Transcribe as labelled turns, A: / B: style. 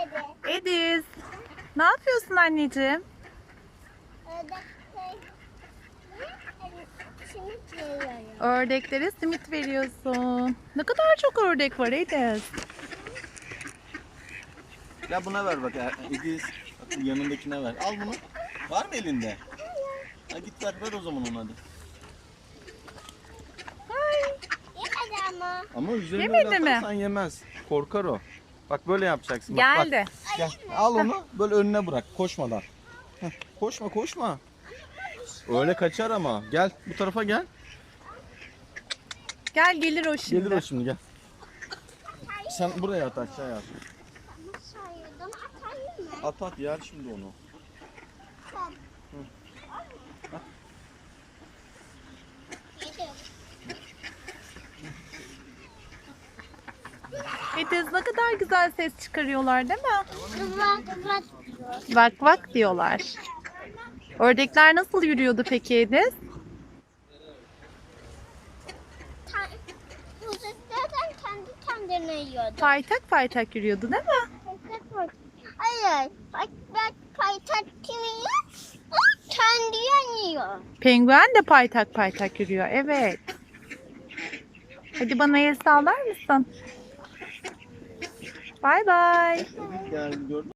A: Ediz, ne yapıyorsun anneciğim?
B: Simit veriyorum.
A: Ördeklere simit veriyorsun. Ne kadar çok ördek var Ediz.
C: Ya buna ver bak Ediz. Bak bu yanındakine ver. Al bunu. Var mı elinde? Ha git ver o zaman onu hadi.
B: Yemedi ama.
C: Ama üzerine
A: Yemedi
C: öyle
A: mi?
C: atarsan yemez. Korkar o. Bak böyle yapacaksın. Bak,
A: Geldi.
C: Bak, gel. Al onu böyle önüne bırak koşmadan. Heh, koşma. Öyle kaçar ama. Gel bu tarafa gel.
A: Gel gelir o şimdi.
C: Gelir o şimdi gel. Sen buraya at aşağıya at.
B: Nasıl ayırdım? Atayım mı?
C: At yer şimdi onu.
B: Yedim.
A: Ediz ne kadar güzel ses çıkarıyorlar değil mi?
B: Kıvrak.
A: Vak vak diyorlar. Ördekler nasıl yürüyordu peki Ediz?
B: Kuzulardan kendi kendine yiyordu.
A: Paytak paytak yürüyordu değil mi?
B: Hayır. Bak paytak kimi yiyor? O kendi yiyor.
A: Penguen de paytak paytak yürüyor. Evet. Hadi bana el sallar mısın? Bay bay.
C: Ediz geldi gördün mü?